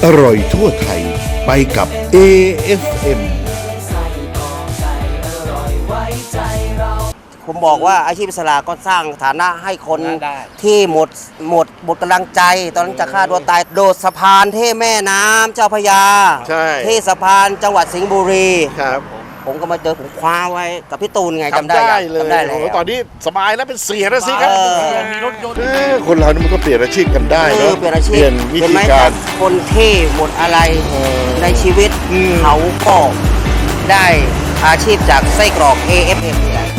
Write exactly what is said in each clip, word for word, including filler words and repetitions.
อร่อยทั่วไทยไปกับ เอ เอฟ เอ็มผมบอกว่าอาชีพอิสระก็สร้างฐานะให้คนที่หมดหมดหมดกำลังใจ ตอนนั้นจะฆ่าตัวตายโดดสะพานเท่แม่น้ำเจ้าพระยาใช่เท่สะพานจังหวัดสิงห์บุรีครับผมก็มาเจอผมคว้าไว้กับพี่ตูนไงจำทำได้ได้ยังเลยจำได้เลโอ้ยโหตอนนี้สบายแล้วเป็นเสียแล้วสิครับเออมีรถยนต์เออคนเรานี่มันก็เปลี่ยนอาชีพกันได้เอเนออะเปลี่ยนอาชีพเปลี่ยนวิเห็นธีไหมการคนที่หมดอะไรเออในชีวิตอืมเขาก็ได้อาชีพจากไส้กรอก เอ เอฟ เอ็ม นี่แหละ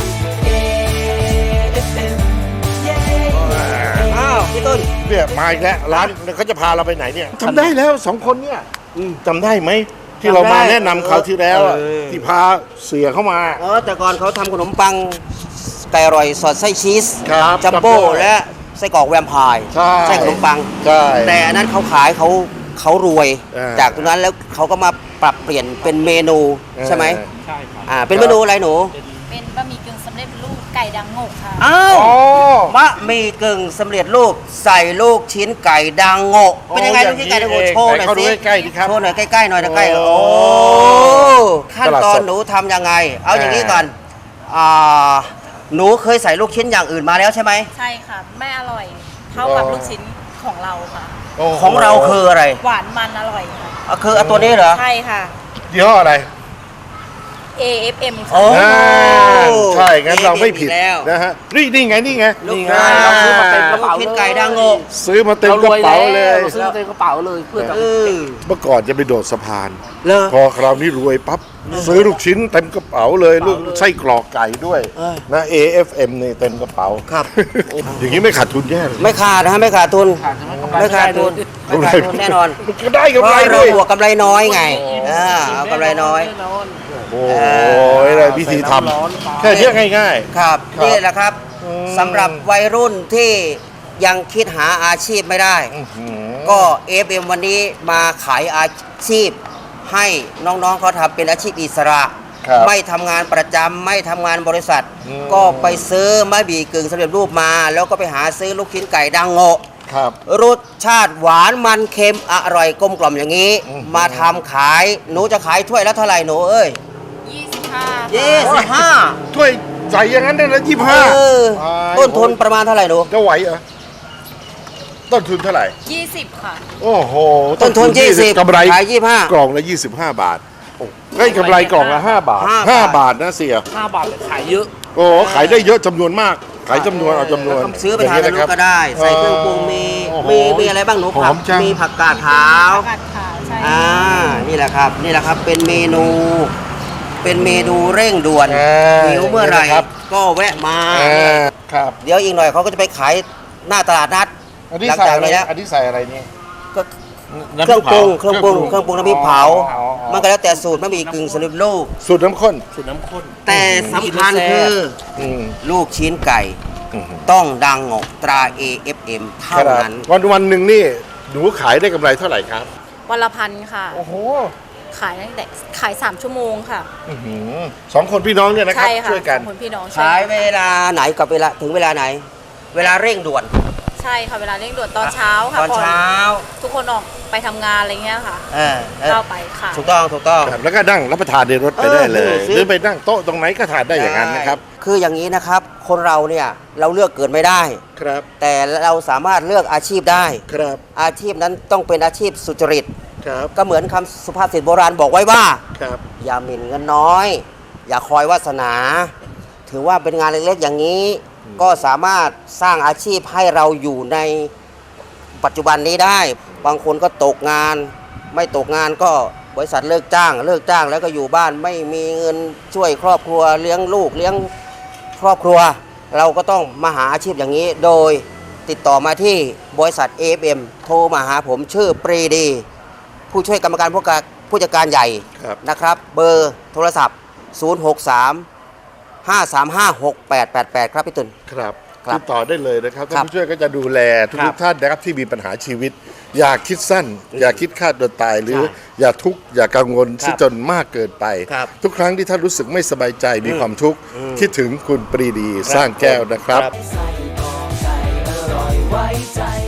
อ้าวพี่ตูนเนี่ยมาอีกแล้วร้านเขาจะพาเราไปไหนเนี่ยจำได้แล้วสองคนเนี่ยจำได้ไหมที่เรามาแนะนำคราวที่แล้วอะเออที่พาเสียเข้ามาเออแต่ก่อนเขาทำขนมปังไก่อร่อยสอดไส้ชีสครับจัมโบ้จำได้และไส้กรอกแวมไพร์ใช่ไส้ขนมปังใช่แต่อันนั้นเขาขายเขาเขารวยเออจากตรงนั้นแล้วเขาก็มาปรับเปลี่ยนเป็นเมนูใช่ไหมใช่ครับอ่าเป็นเมนูอะไรหนูเป็นบะหมี่กึ่งสำเร็จรูปไก่ดังโงกค่ะอ้าวอ๋อมะหมี่กึ่งสำเร็จรูปใส่ลูกชิ้นไก่ดังโงะเป็นยังไงโอ้ลูกชิ้นไก่ดังโงะอย่างนี้โชว์หน่อยไหนเขาดูสิใกล้ๆดิครับโชว์หน่อยใกล้ๆหน่อยใกล้ๆโอ้โอ้ขั้นตอนหนูทำยังไง เอาอย่างนี้ก่อนอ่าหนูเคยใส่ลูกชิ้นอย่างอื่นมาแล้วใช่ไหมใช่ค่ะ ไม่อร่อย เท่ากับลูกชิ้นของเราค่ะโโหของเราคืออะไรหวานมันอร่อยค่ะอ่ะคือเอาตัวนี้เหรอใช่ค่ะยี่ห้ออะไรเอ เอฟ เอ็มโอ้ค่ะอ่าใช่งั้นเราไม่ผิดอีกแล้วนะฮะนี่นี่ไงนี่ไงลูกนี่ไงค้าเราซื้อมาเต็มกระลูกเป๋าชิ้นเลยไก่ดังโงะซื้อมาเต็มกระเป๋าเลยเราซื้อมาเต็มกระเป๋าเลยเพื่อจะเออเมื่อก่อนจะไปโดดสะพานเลอพอคราวนี้รวยปั๊บซื้อลูกชิ้นเต็มกระเป๋าเลยลูกไส้กรอกไก่ด้วยเออนะ เอ เอฟ เอ็ม นี่เต็มกระเป๋าครับอย่างนี้ไม่ขาดทุนแย่เลยไม่ขาดนะฮะไม่ขาดทุนขาดจะไม่กำไรไม่ขาดทุนกำไรไม่ขาดทุนแน่นอนก็ได้เพกำไรราะด้เราวยบวกกำไรน้อยไงอ่าเอากำไรน้อยโอ้ยอะไรวิธีทำแค่เนี้ยง่ายครับครับนี่แหละครับอืมสำหรับวัยรุ่นที่ยังคิดหาอาชีพไม่ได้ๆอื้อหือก็ เอ เอฟ เอ็ม วันนี้มาขายอาชีพ ให้น้องๆเขาทำเป็นอาชีพอิสระครับไม่ทำงานประจำไม่ทำงานบริษัทอืมก็ไปซื้อมะบีกึ่งสำเร็จรูปมา แล้วก็ไปหาซื้อลูกชิ้นไก่ดังโงะครับรสชาติหวานมันเค็มอร่อยกลมกล่อมอย่างนี้อืมมาทำขายหนูจะขายถ้วยละเท่าไหร่หนูเอ้ยยี่สิบห้ายี่สิบห้าถ้วยใส่อย่างนั้นได้ละยี่สิบห้าเออต้นทุนประมาณเท่าไหร่หนูจะไหวเหรอต้นทุนเท่าไหร่ยี่สิบค่ะโอ้โหต้นทุนยี่สิบกำไรขายยี่สิบห้ากล่องละยี่สิบห้าบาทเฮ้ยกำไรกล่องละห้าบาทห้าห้าบาทบาทนะเสียห้าบาทแต่ขายเยอะโอ้ขายได้เยอะจำนวนมาก ขายจำนวนเอาจำนวนซื้อไปทานกับลูกก็ได้ ใส่เครื่องปรุงมีโอ้โหมีมีอะไรบ้างหนูหผัอก มจังมีผักกาดขาวผักกาดขาวใช่อ่านี่แหละครับ นี่แหละครับเป็นเมนู เป็นเมนูเร่งด่วนอ่าหิวเมื่อไหร่นี่นะครับก็แวะมาอ่าครับเดี๋ยวอีกหน่อยเขาก็จะไปขายหน้าตลาดนัดอันนี้หลังใส่จากอะไรนี้แล้วอันนี้ใส่อะไรเนี่ยก็เครื่องปรุงเครื่องปรุงเครื่องปรุงน้ำพริกเผา มันก็แล้วแต่สูตรมันมีกึ่งสำเร็จรูปสูตรน้ำข้นสูตรน้ำข้นแต่สำคัญคืออืมลูกชิ้นไก่อืมต้องดังงกตรา เอ เอฟ เอ็ม เท่าครับนั้นวันวันหนึ่งนี่หนูขายได้กำไรเท่าไหร่ครับวันละพันค่ะโอ้โหขายตั้งแต่ขายสามชั่วโมงค่ะอื้อหือสองคนพี่น้องเนี่ยนะครับใช่ค่ะช่วยกันสองคนพี่น้องช่วขายกันเวลาไหนกับเวลาถึงเวลาไหน เวลาเร่งด่วนใช่ค่ะ เวลาเร่งด่วนตอนเช้าค่ะตอนเช้าทุกคนออกไปทำงานอะไรเงี้ยค่ะเออเออเข้าไปค่ะถูกต้องถูกต้องครับแล้วก็นั่งรับประทานในรถไปได้เลยเออซื้อหรือไปนั่งโต๊ะตรงไหนก็ทานได้อย่างนั้นนะครับคืออย่างนี้นะครับ คนเราเนี่ยเราเลือกเกิดไม่ได้ครับแต่เราสามารถเลือกอาชีพได้ครับอาชีพนั้นต้องเป็นอาชีพสุจริตครับก็เหมือนคำสุภาษิตโบราณบอกไว้ว่าครับอย่าหมิ่นเงินน้อย อย่าคอยวาสนา ถือว่าเป็นงานเล็กๆอย่างนี้ ก็สามารถสร้างอาชีพให้เราอยู่ในปัจจุบันนี้ได้ บางคนก็ตกงาน ไม่ตกงานก็บริษัทเลิกจ้าง เลิกจ้างแล้วก็อยู่บ้านไม่มีเงินช่วยครอบครัวเลี้ยงลูกเลี้ยงครอบครัว เราก็ต้องมาหาอาชีพอย่างนี้ โดยติดต่อมาที่บริษัท เอ เอฟ เอ็ม โทรมาหาผมชื่อปรีดี ผู้ช่วยกรรมการผู้การผู้จัดการใหญ่ครับนะครับ เบอร์โทรศัพท์ ศูนย์ หก สาม ห้า สาม ห้า หก แปด แปด แปด ครับพี่ตุลครับครับติดต่อได้เลยนะครับครัท่านบผู้ช่วยก็จะดูแลทุครักบๆท่านนะครับที่มีปัญหาชีวิต อย่าคิดสั้น อย่าคิดฆ่าตัวตายหรือใช่อย่าทุกข์อย่ากังวลครับซะจนมากเกินไปครับทุกครั้งที่ท่านรู้สึกไม่สบายใจมีอืมความทุกข์อืมคิดถึงคุณปรีดีสร้างแก้วนะครับครับใส่กรอกไก่อร่อยไว้ใจ